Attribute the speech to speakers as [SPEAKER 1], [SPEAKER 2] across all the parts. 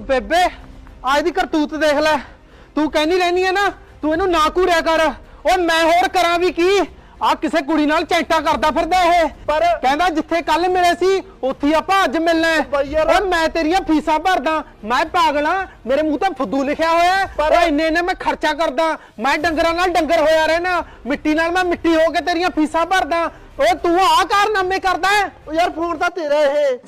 [SPEAKER 1] ਬੇਬੇ ਅੱਜ ਦੀ ਕਰਤੂਤ ਦੇਖ ਲੈ। ਤੂੰ ਕਹਿੰਦੀ ਰਹਿਨੀ ਹੈ ਨਾ ਤੂੰ ਇਹਨੂੰ ਨਾ ਘੂਰਿਆ ਕਰ। ਓਏ ਮੈਂ ਹੋਰ ਕਰਾਂ ਵੀ ਕੀ? ਆ ਕਿਸੇ ਕੁੜੀ ਨਾਲ ਚੈਂਟਾ ਕਰਦਾ ਫਿਰਦਾ ਇਹ। ਪਰ ਕਹਿੰਦਾ ਜਿੱਥੇ ਕੱਲ ਮਿਲੇ ਸੀ ਉੱਥੇ ਆਪਾਂ ਅੱਜ ਮਿਲਣਾ ਹੈ। ਓਏ ਮੈਂ ਤੇਰੀਆਂ ਫੀਸਾਂ ਭਰਦਾ, ਮੈਂ ਪਾਗਲ ਆ, ਮੇਰੇ ਮੂੰਹ ਤੇ ਫੁੱਦੂ ਲਿਖਿਆ ਹੋਇਆ। ਓਏ ਇੰਨੇ ਮੈਂ ਖਰਚਾ ਕਰਦਾ, ਮੈਂ ਡੰਗਰਾਂ ਨਾਲ ਡੰਗਰ ਹੋਇਆ ਰਹਿਣਾ, ਮਿੱਟੀ ਨਾਲ ਮੈਂ ਮਿੱਟੀ ਹੋ ਕੇ ਤੇਰੀਆਂ ਫੀਸਾਂ ਭਰਦਾ। ਓਏ ਤੂੰ ਆਹ ਕਾਰਨਾਮੇ ਕਰਦਾ ਹੈ? ਓ ਯਾਰ ਫੋਨ ਤਾਂ ਤੇਰਾ ਇਹ।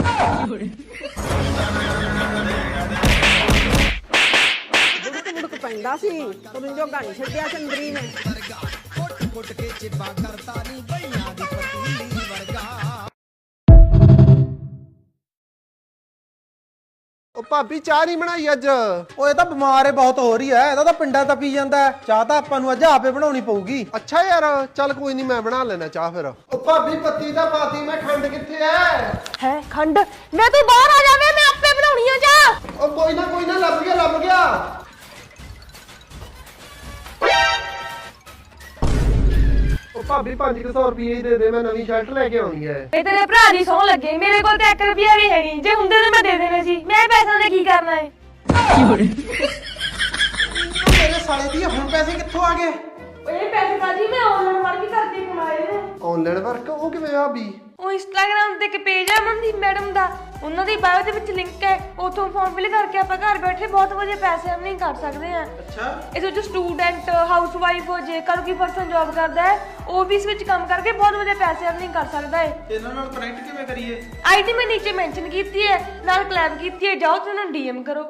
[SPEAKER 2] ਮੁੜਕ ਪੈਂਦਾ ਸੀ ਤੈਨੂੰ ਜੋ ਗਾਣੀ ਛੱਡਿਆ ਚੰਦਰੀ ਨੇ। ਕੁੱਟ ਕੇ ਚਿੱਬਾ ਕਰਤਾ ਨਹੀਂ ਬਈਆਂ ਦੀ ਪਤੀਲੀ ਵਰਗਾ।
[SPEAKER 1] ਉਹ ਭਾਬੀ ਚਾਹ ਨਹੀਂ ਬਣਾਈ ਅੱਜ? ਓਏ ਤਾਂ ਬਿਮਾਰ ਏ ਬਹੁਤ ਹੋ ਰਹੀ ਐ, ਇਹਦਾ ਤਾਂ ਪਿੰਡਾਂ ਤਾਂ ਪੀ ਜਾਂਦਾ। ਚਾਹ ਤਾਂ ਆਪਾਂ ਨੂੰ ਅੱਜ ਆਪੇ ਬਣਾਉਣੀ ਪਊਗੀ। ਅੱਛਾ ਯਾਰ ਚੱਲ ਕੋਈ ਨਹੀਂ ਮੈਂ ਬਣਾ ਲੈਣਾ ਚਾਹ ਫਿਰ। ਉਹ ਭਾਬੀ ਪੱਤੀ ਤਾਂ ਪਾਤੀ, ਮੈਂ ਖੰਡ ਕਿੱਥੇ ਐ?
[SPEAKER 2] ਹੈ ਖੰਡ? ਮੈਂ ਤੂੰ ਬਾਹਰ ਆ ਜਾਵੇ, ਮੈਂ ਆਪੇ ਬਣਾਉਣੀ ਆ ਚਾਹ।
[SPEAKER 1] ਉਹ ਕੋਈ ਨਾ ਲੱਭ ਗਿਆ ਲੱਭ ਗਿਆ। ਉਹ ਭਾਬੀ 500 ਰੁਪਏ ਹੀ ਦੇ ਦੇ, ਮੈਂ ਨਵੀਂ ਸ਼ਰਟ ਲੈ ਕੇ ਆਉਣੀ ਐ।
[SPEAKER 3] ਇਹ ਤੇਰੇ ਭਰਾ ਦੀ ਸੌਂ ਲੱਗੇ, ਮੇਰੇ ਕੋਲ ਤਾਂ 1 ਰੁਪਿਆ ਵੀ ਹੈ ਨਹੀਂ। ਜੇ ਹੁੰਦੇ ਤਾਂ ਮੈਂ ਦੇ ਦੇਣੇ ਸੀ। ਮੈਂ ਪੈਸਿਆਂ ਦਾ ਕੀ ਕਰਨਾ ਏ?
[SPEAKER 1] ਮੇਰੇ ਸਾਲੇ ਦੀ ਹੁਣ ਪੈਸੇ ਕਿੱਥੋਂ ਆ ਗਏ?
[SPEAKER 3] ਇਹ ਪੈਸੇ ਤਾਂ ਜੀ ਮੈਂ ਆਨਲਾਈਨ ਵਰਕ ਕਰਕੇ ਕਮਾਏ ਨੇ।
[SPEAKER 1] Online work? ਉਹ ਕਿਵੇਂ ਭਾਬੀ?
[SPEAKER 3] ਉਹ ਇੰਸਟਾਗ੍ਰਾਮ ਤੇ ਇੱਕ ਪੇਜ ਹੈ ਮਨਦੀਪ ਮੈਡਮ ਦਾ, ਉਹਨਾਂ ਦੀ ਬਾਇਓ ਦੇ ਵਿੱਚ ਲਿੰਕ ਹੈ, ਉੱਥੋਂ ਫਾਰਮ ਫਿਲ ਕਰਕੇ ਆਪਾਂ ਘਰ ਬੈਠੇ ਬਹੁਤ ਵਧੀਆ ਪੈਸੇ ਅਰਨਿੰਗ ਕਰ ਸਕਦੇ ਹਾਂ।
[SPEAKER 1] ਅੱਛਾ।
[SPEAKER 3] ਇਸ ਵਿੱਚ ਸਟੂਡੈਂਟ, ਹਾਊਸਵਾਈਫ, ਜੇਕਰ ਕੋਈ ਪਰਸਨ ਜੌਬ ਕਰਦਾ ਹੈ ਉਹ ਵੀ ਇਸ ਵਿੱਚ ਕੰਮ ਕਰਕੇ ਬਹੁਤ ਵਧੀਆ ਪੈਸੇ ਅਰਨਿੰਗ ਕਰ ਸਕਦਾ ਹੈ।
[SPEAKER 1] ਇਹਨਾਂ ਨਾਲ ਕਨੈਕਟ ਕਿਵੇਂ ਕਰੀਏ?
[SPEAKER 3] ਆਈਡੀ ਮੈਂ ਨੀਚੇ ਮੈਂਸ਼ਨ ਕੀਤੀ ਹੈ, ਨਾਲ ਕਲੈਬ ਕੀਤੀ ਹੈ, ਜਾਓ ਤੇ ਉਹਨਾਂ ਨੂੰ ਡੀਐਮ ਕਰੋ।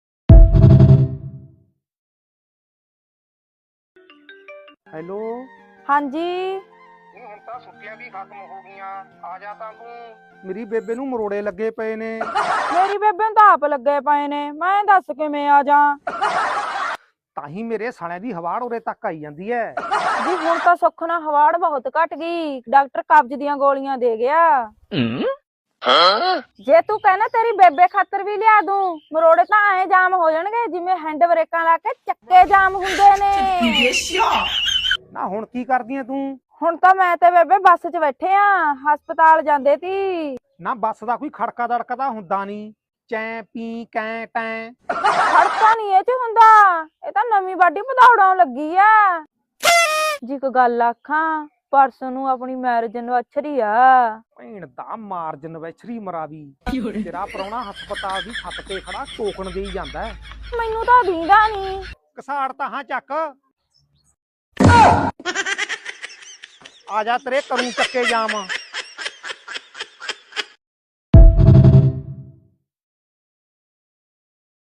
[SPEAKER 1] ਹੈਲੋ।
[SPEAKER 2] ਹਾਂਜੀ
[SPEAKER 4] ਹੁਣ ਤਾਂ ਛੁੱਟੀਆਂ ਵੀ ਖਤਮ ਹੋ ਗਈਆਂ, ਆ ਜਾ ਤਾਂ ਤੂੰ।
[SPEAKER 1] ਮੇਰੀ ਬੇਬੇ ਨੂੰ ਮਰੋੜੇ ਲੱਗੇ ਪਏ ਨੇ।
[SPEAKER 2] ਮੇਰੀ ਬੇਬੇ ਨੂੰ ਤਾਂ ਆਪ ਲੱਗੇ ਪਏ ਨੇ, ਮੈਂ ਦੱਸ ਕਿਵੇਂ ਆ ਜਾ।
[SPEAKER 1] ਤਾਂ ਹੀ ਮੇਰੇ ਸਾਲਿਆਂ ਦੀ ਹਵਾੜ ਉਰੇ ਤੱਕ ਆਈ ਜਾਂਦੀ ਐ।
[SPEAKER 2] ਜੀ ਹੁਣ ਤਾਂ ਸੁੱਖ ਨਾਲ ਹਵਾੜ ਬਹੁਤ ਘਟ ਗਈ, ਡਾਕਟਰ ਕਬਜ਼ ਦੀਆਂ ਗੋਲੀਆਂ ਦੇ ਗਿਆ। ਜੇ ਤੂੰ ਕਹਿਣਾ ਤੇਰੀ ਬੇਬੇ ਖਾਤਰ ਵੀ ਲਿਆ ਦੂੰ। ਮਰੋੜੇ ਤਾਂ ਐ ਜਾਮ ਹੋ ਜਾਣਗੇ ਜਿਵੇਂ ਹੈਂਡ ਬ੍ਰੇਕਾਂ ਲਾ ਕੇ ਚੱਕੇ ਜਾਮ ਹੁੰਦੇ ਨੇ।
[SPEAKER 1] ਨਾ ਹੁਣ ਕੀ ਕਰਦੀ ਐ ਤੂੰ?
[SPEAKER 2] ਹੁਣ ਤਾਂ ਮੈਂ ਤੇ ਬੇਬੇ ਬੱਸ 'ਚ ਬੈਠੇ ਆ, ਹਸਪਤਾਲ ਜਾਂਦੇ ਤੀ।
[SPEAKER 1] ਨਾ ਬੱਸ ਦਾ ਕੋਈ ਖੜਕਾ ਦੜਕਾ ਤਾਂ ਹੁੰਦਾ ਨਹੀਂ। ਚੈ ਪੀ ਕੈ ਟੈ
[SPEAKER 2] ਖੜਕਾ ਨਹੀਂ ਇਹ 'ਚ ਹੁੰਦਾ, ਇਹ ਤਾਂ ਨਵੀਂ ਬਾਡੀ ਵਧਾਉਣ ਲੱਗੀ ਆ ਜੀ। ਇੱਕ ਗੱਲ ਆਖਾਂ, ਪਰਸੋਂ ਨੂੰ ਆਪਣੀ ਮੈਰਿਜ ਐਨਵਰਸਰੀ ਆ।
[SPEAKER 1] ਭੈਣ ਦਾ ਮਾਰਜਨ ਵੈਛਰੀ ਮਰਾਵੀ। ਤੇਰਾ ਪ੍ਰਾਹੁਣਾ ਹਸਪਤਾਲ ਦੀ ਛੱਤ ਤੇ ਖੜਾ ਟੋਕਣ ਦੇਈ ਜਾਂਦਾ।
[SPEAKER 2] ਮੈਨੂੰ ਤਾਂ ਦੀਂਦਾ ਨਹੀਂ।
[SPEAKER 1] ਕਸਾੜ ਤਾਂ ਹਾਂ ਚੱਕ। ਆ ਜਾ ਤੇਰੇ ਕਰੂੰ ਚੱਕੇ ਜਾਮ।